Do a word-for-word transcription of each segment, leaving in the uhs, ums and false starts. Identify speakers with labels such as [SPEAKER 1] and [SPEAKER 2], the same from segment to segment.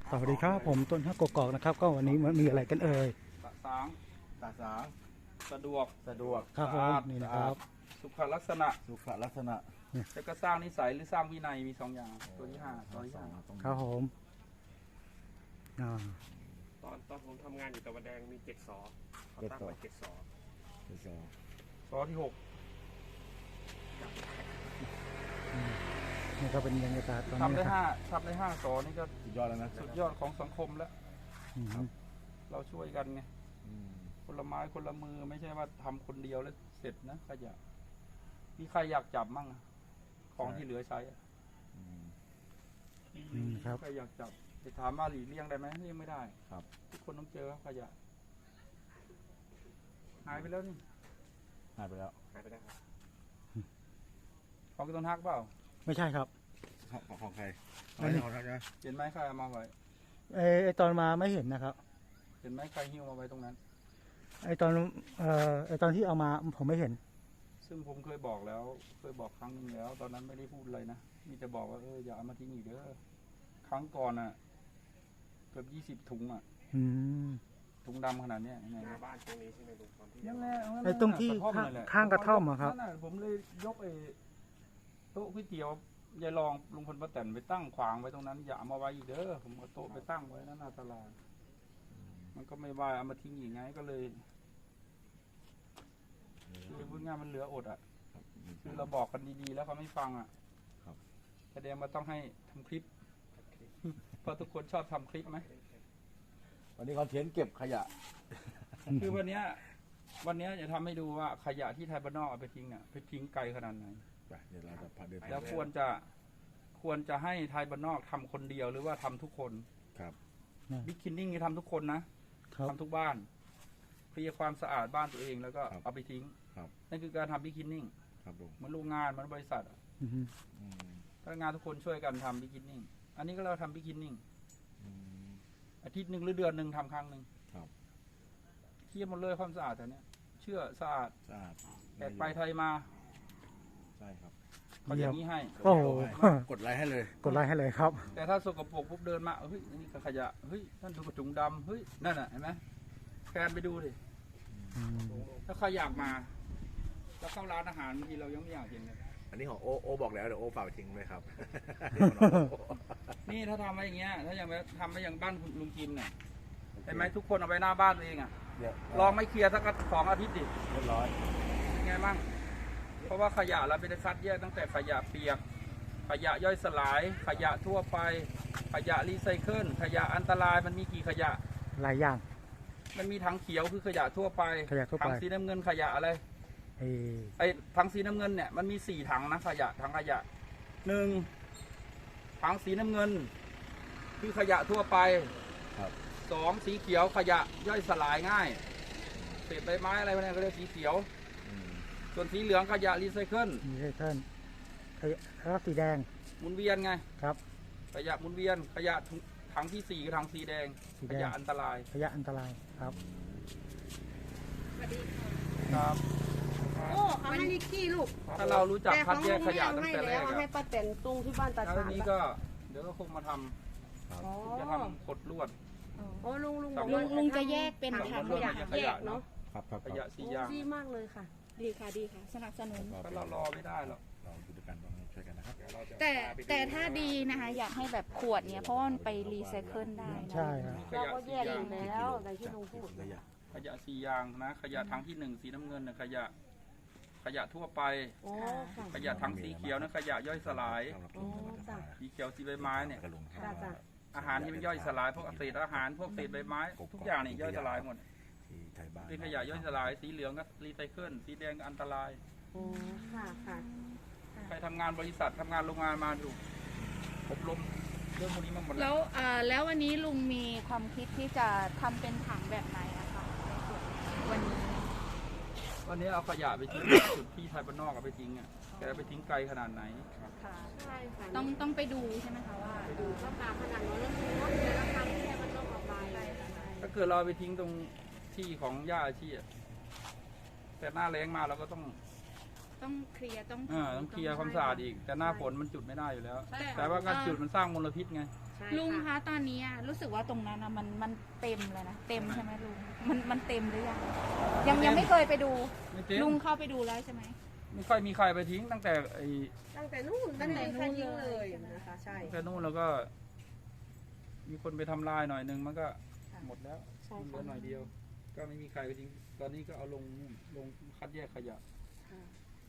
[SPEAKER 1] สวัสดีครับผมต้นฮักกกอกนะครับก็วันนี้มันมีอะไรกันเอ่ย
[SPEAKER 2] สะสาง
[SPEAKER 3] สะสาง
[SPEAKER 2] สะดวก
[SPEAKER 3] สะดวก
[SPEAKER 1] ครับผมนี่นะครับ
[SPEAKER 2] สุขลักษณะ
[SPEAKER 3] สุขลักษณะ
[SPEAKER 2] จะก็สร้างนิสัยหรือสร้างวินัยมีสองอย่างตัวที่ห้าตัวที่ห้า
[SPEAKER 1] ครับผมอ่า
[SPEAKER 4] ตอนตอนผมทำงานอยู่ตะวันแดงมีเจ็ดสอเขาตั้งไว้เจ็ดสอ
[SPEAKER 3] เจ็ดสอ
[SPEAKER 2] สอที่หก
[SPEAKER 1] นี่ก็เป็นบรรยากาศตอนนี้
[SPEAKER 2] ทำได้
[SPEAKER 1] นะครั
[SPEAKER 2] ห้า
[SPEAKER 1] บ
[SPEAKER 2] ทำได้ห้าสอนี่ก็
[SPEAKER 3] สุดยอดแล้วนะ
[SPEAKER 2] สุดยอดของสังคมแล้วเราช่วยกันไงคนละไม้คนละมือไม่ใช่ว่าทำคนเดียวแล้วเสร็จนะขยะมีใครอยากจับมั่งของที่เหลือใช้ใครอยากจับจะถามว่าหลีกเลี่ยงได้ไหมเลี่ยงไม่ได้
[SPEAKER 3] ครับ
[SPEAKER 2] ทุกคนต้องเจอขยะหายไปแล้วนี่
[SPEAKER 3] หายไปแล้ว
[SPEAKER 4] หายไปแล้วครับ
[SPEAKER 2] ของต้นฮักเปล่า
[SPEAKER 1] ไม่ใช่ครับ
[SPEAKER 3] ของของใคร
[SPEAKER 1] อันนี้
[SPEAKER 3] ของใครนะ
[SPEAKER 2] เห็นไหมใครเอามาไว้
[SPEAKER 1] เออตอนมาไม่เห็นนะครับ
[SPEAKER 2] เห็นไหมใครหิ้วมาไว้ตรงนั้น
[SPEAKER 1] ไอตอนเอ่อไอตอนที่เอามาผมไม่เห็น
[SPEAKER 2] ซึ่งผมเคยบอกแล้วเคยบอกครั้งนึงแล้วตอนนั้นไม่ได้พูดอะไรนะมีแต่บอกว่าเอออย่าเอามาทิ้งอีกเด้อครั้งก่อนอ่ะเกือบยี่สิบถุงอ่ะถุงดำขนาดนี้ยังไง
[SPEAKER 4] หน้าบ้านตรงนี้ใช่ไหมลุงตอนที่
[SPEAKER 2] นั่นแหละ
[SPEAKER 1] ไอตรงที่ข้างกระท่อมอะครับ
[SPEAKER 2] ผมเลยยกไอโต๊ะก๋วยเตี๋ยวยายรองลุงพลป้าแตนไปตั้งขวางไว้ตรงนั้นอย่าเอามาไว้อีกเด้อผมเอาโต๊ะไปตั้งไว้นั่นน่าตลาดมันก็ไม่ว่าเอามาทิ้งอีกไงก็เลยคือพูดง่ายมันเหลืออดอ่ะคือเราบอกกันดีๆแล้วเขาไม่ฟังอ่ะแสดงว่าต้องให้ทำคลิปเพราะทุกคนชอบทำคลิปไหม
[SPEAKER 3] วันนี้คอนเทนต์เก็บขยะ
[SPEAKER 2] คือวันนี้วันนี้จะทำให้ดูว่าขยะที่ไทยบ้านนอกเอาไปทิ้งเนี่ยไปทิ้งไกลขนาดไหน
[SPEAKER 3] เดี๋ยวเราจะพาเดิน
[SPEAKER 2] แล้วควรจะควรจะให้ไทยบ้านนอกทำคนเดียวหรือว่าทำทุกคน
[SPEAKER 3] ครับ
[SPEAKER 2] บิ๊กคินนิ่งนี่ทำทุกคนนะทำทุกบ้านเคลียร์ความสะอาดบ้านตัวเองแล้วก็เอาไปทิ้งนั่นคือการทำบิ๊กคินนิ่งมันโรงงานมันบริษัทพนักงานทุกคนช่วยกันทำบิ๊กคินนิ่งอันนี้ก็เราทำบิ๊กคินนิ่งอาทิตย์หนึ่งหรือเดือนหนึ่งทำครั้งหนึ่งเคลียร์หมดเลยความสะอาดแต่เนี้ยเชื่อสะอาด
[SPEAKER 3] สะอาด
[SPEAKER 2] แตกไปไทยมา
[SPEAKER 3] ใช่ครับ
[SPEAKER 2] เขาอย่างนี้ให้
[SPEAKER 1] โอ้โห
[SPEAKER 3] กดไลค์ให้เลย
[SPEAKER 1] กดไลค์ให้เลยครับ
[SPEAKER 2] แต่ถ้าสกปรกปุ๊บเดินมาเฮ้ยนี่ขยะเฮ้ยนั่นดูกระจุงดำเฮ้ยนั่นน่ะเห็นไหมแฟนไปดูดิถ้าใครอยากมาแล้วเข้าร้านอาหารบางทีเรายังไม่อยากเห็นเลย
[SPEAKER 3] อันนี้ของโอโอบอกแล้วเดี๋ยวโอฝากทิ้งไหมครับ
[SPEAKER 2] นี่ถ้าทำไว้อย่างเงี้ยถ้าอย่างทำไว้อย่างบ้านลุงจิมเนี่ยเห็นไหมทุกคนเอาไปหน้าบ้านตัวเองอ่ะลองไม่เคลียร์สักสองอาทิตย์ดิ
[SPEAKER 3] เรียบร้อย
[SPEAKER 2] เป็นไงบ้างเพราะว่าขยะเราเป็นคัดแยกตั้งแต่ขยะเปียกขยะย่อยสลายขยะทั่วไปขยะรีไซเคิลขยะอันตรายมันมีกี่ขยะ
[SPEAKER 1] หลายอย่าง
[SPEAKER 2] มันมีถังเขียวคือขยะทั่วไปถังสีน้ำเงินขยะอะไรไอ้ถังสีน้ำเงินเนี่ยมันมีสี่ถังนะขยะถังขยะหนึ่งถังสีน้ำเงินคือขยะทั่วไปสองสีเขียวขยะย่อยสลายง่ายเศษใบไม้อะไรพวกนี้ก็เรียกสีเขียวส่วนสีเหลืองขยะรีไซเคิล
[SPEAKER 1] รีไซเคิลขยะแล้วสีแดง
[SPEAKER 2] หมุนเวียนไง
[SPEAKER 1] ครับ
[SPEAKER 2] ขยะหมุนเวียนขยะถังที่สี่คือถังสีแดงขยะอันตราย
[SPEAKER 1] ขยะอันตรายครับ
[SPEAKER 5] สวัสดี
[SPEAKER 2] ครับ
[SPEAKER 5] โอ้เขาให้นิกกี้ลูก
[SPEAKER 2] ถ้าเรารู้จักคัดแยกขยะตั้งแต่แรก
[SPEAKER 5] ให้ป้าแตนตุ้งที่บ้านตา
[SPEAKER 2] ชานี้ก็เดี๋ยวก็คงมาทำจะทำกดลวด
[SPEAKER 5] โอ้ลุงลุง
[SPEAKER 6] ลุงลุงจะแยกเป็นถังขยะ
[SPEAKER 2] ขยะเนาะ
[SPEAKER 3] ครับครับ
[SPEAKER 2] ขยะสี่อย่าง
[SPEAKER 5] ดีมากเลยค่ะ
[SPEAKER 6] ดีค่ะดีค่ะสนับสนุน
[SPEAKER 2] ถ้าเรารอไม่ได้หรอก
[SPEAKER 3] เราดูด้วยกันต้องช่วยกันนะครับ
[SPEAKER 6] แต่แต่ถ้าดีนะคะอยากให้แบบขวดเนี้ยเพราะว่ามันไปรีไซเคิลได้
[SPEAKER 1] ใช่ครับ
[SPEAKER 5] เราก็แยกอยู่แล้วในที่ลุงพูด
[SPEAKER 2] ขยะสี่อย่างนะขยะถังที่หนึ่งสีน้ำเงินนะขยะขยะทั่วไปขยะถังสีเขียวนะขยะย่อยสลายสีเขียวสีใบไม้เนี่ยอาหารที่มันย่อยสลายพวกเศษอาหารพวกเศษใบไม้ทุกอย่างนี่ย่อยสลายหมดเป็นขยะย่อยสลายสีเหลืองก็รีไซเคิลสีแดงอันตรายใครทำงานบริษัททำงานโรงงานมาดูอบรมเรื่องพวกนี้มาหมด
[SPEAKER 6] แล้วแล้ววันนี้ลุงมีความคิดที่จะทำเป็นถังแบบไหนอะคะวันนี้
[SPEAKER 2] วันนี้เอาขยะไปทิ้งจุดที่ไทยบ้านนอกเอาไปทิ้งอ่ะแกไปทิ้งไกลขนาดไหน
[SPEAKER 6] ค่ะใช่ค่ะต้องต้องไปดูใช่ไหมคะว่า
[SPEAKER 5] ดูว่าปลาขนาดนั้นแล้วคือว่าเดี๋ยวราคาที่ไทยบ้านนอกออกไป
[SPEAKER 2] ถ้าเกิดเราไปทิ้งตรงที่ของหญ้าอาชีพแต่หน้าแล้งมาเราก็ต้อง
[SPEAKER 6] ต้องเคลียร์ต้อง
[SPEAKER 2] ต้องเคลียร์ความสะอาดอีกแต่หน้าฝนมันจุดไม่ได้อยู่แล้วแต่ว่าการจุดมันสร้างมลพิษไง
[SPEAKER 5] ใช่
[SPEAKER 6] ลุง
[SPEAKER 5] ค่ะ
[SPEAKER 6] คะตอนนี้อะรู้สึกว่าตรงนั้นอะมันมันเต็มเลยนะเต็มใช่ไหมลุงมันมันเต็มหรือยังยังยังไม่เคยไปดู
[SPEAKER 2] ไม่เต็ม
[SPEAKER 6] ลุงเข้าไปดูแล้วใช่ไหม
[SPEAKER 2] ไม่ค่อยมีใครไปทิ้งตั้งแต่ไอ้
[SPEAKER 5] ตั้งแต่นู่นตั้งแต่
[SPEAKER 6] ตั้งแต่
[SPEAKER 5] ใคร
[SPEAKER 6] นู่น
[SPEAKER 5] ทิ้ง
[SPEAKER 6] เล
[SPEAKER 5] เลย ยนะคะ ใช่
[SPEAKER 2] ตั้งแต่นู่นแล้วก็ มีคนไปทำลายหน่อยนึงมันก็
[SPEAKER 5] ค่ะ
[SPEAKER 2] หมดแล้ว
[SPEAKER 5] ใช่
[SPEAKER 2] เหลื
[SPEAKER 5] ค่ะ
[SPEAKER 2] อหน่อยเดียว ก็ไม่มีใครไปทิ้งตอนนี้ก็เอาลงนู่นลงคัดแยกขยะ
[SPEAKER 5] ค่ะ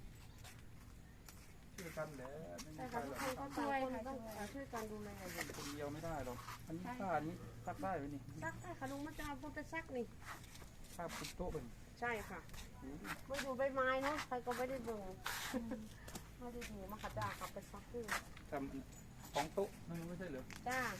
[SPEAKER 2] ช่วยกันแหละไม่มี
[SPEAKER 5] ใช่
[SPEAKER 2] ใคร
[SPEAKER 5] ค่ะ
[SPEAKER 2] หร
[SPEAKER 5] ทุ
[SPEAKER 2] อก
[SPEAKER 5] กคนก็ต่างคนต้องช่วยกันดูแลอยู่
[SPEAKER 2] คนเดียวไม่ได้หรอกอันนี้ผ้านี้ซักได้ไหมนี่
[SPEAKER 5] ซักได้ค่ะลุงมาจะเอาพวกไปซักนี่
[SPEAKER 2] ผ้าปุบโต๊ะเป็น
[SPEAKER 5] ใช่ค่ะไม่ดูใบไม้เนาะใครก็ไม่ได้เบิ่งไม่ได้ดูมาค่ะจ้าขับไปซักด้วย
[SPEAKER 2] ทำของโต๊ะนั่นไม่ใช่เหรอ
[SPEAKER 5] จ้า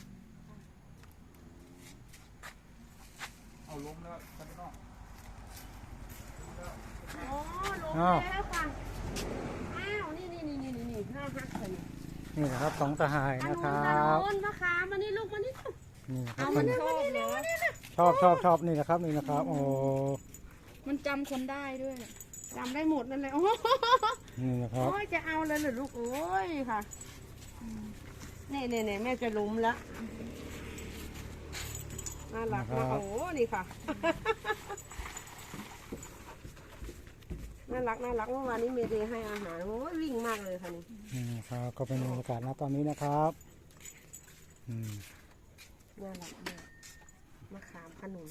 [SPEAKER 2] เอาล้มแล้วข้างนอกล้มแล้ว
[SPEAKER 5] อ๋อลงแล้วค่ะอ้าวนี่นี่นี่นี่นี่น่าฮักเลย
[SPEAKER 1] นี่นะครับสองสหาย
[SPEAKER 5] อัน
[SPEAKER 1] นะ
[SPEAKER 5] นู้น
[SPEAKER 1] ครั
[SPEAKER 5] อัน
[SPEAKER 1] บ
[SPEAKER 5] นู้นมะขามมานี่ลูกมานี่
[SPEAKER 1] นี่นะครั
[SPEAKER 5] เอา
[SPEAKER 1] บ
[SPEAKER 5] มา
[SPEAKER 1] มัน
[SPEAKER 5] นี่มานี่มานี่
[SPEAKER 1] ชอบชอบชอบนี่นะครับนี่นะครับ โอ้
[SPEAKER 6] มันจำคนได้ด้วย
[SPEAKER 5] จำได้หมดนั่นแหละโอ้
[SPEAKER 1] นี่นะครับ
[SPEAKER 5] ยจะเอาเลยเหรอลูกโอ้ยค่ะนี่นี่นี่แม่จะล้มแล้วน่ารักมากโอ้นี่ค่ะ น่ารักน่ารักเมื่อวานนี้เมเดย์ให้อาหารโอ้ยวิ่งมากเลยค่ะนี่
[SPEAKER 1] นี่นะครับก็เป็นบรรยากาศณตอนนี้นะครับอืม
[SPEAKER 5] น่ารักมากมะขามขนุน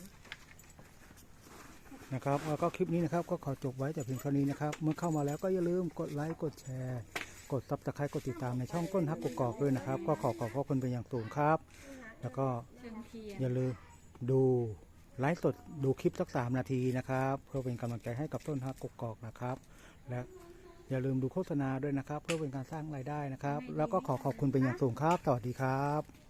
[SPEAKER 1] นะครับแล้วก็คลิปนี้นะครับก็ขอจบไว้แต่เพียงเท่านี้นะครับเมื่อเข้ามาแล้วก็อย่าลืมกดไลค์กดแชร์กดซับสไครต์กดติดตามในช่องต้นฮักกกอกด้วยนะครับก็ขอขอบพระคุณเป็นอย่างสูงครับ แล้วก็
[SPEAKER 6] เชิงเทียน
[SPEAKER 1] อย่าลืมดูไลฟ์สดดูคลิปสักสามนาทีนะครับเพื่อเป็นกำลังใจให้กับต้นฮักกกอกนะครับ และอย่าลืมดูโฆษณาด้วยนะครับ เพื่อเป็นการสร้างรายได้นะครับ แล้วก็ขอขอบคุณเป็นอย่างสูงครับสวัสดีครับ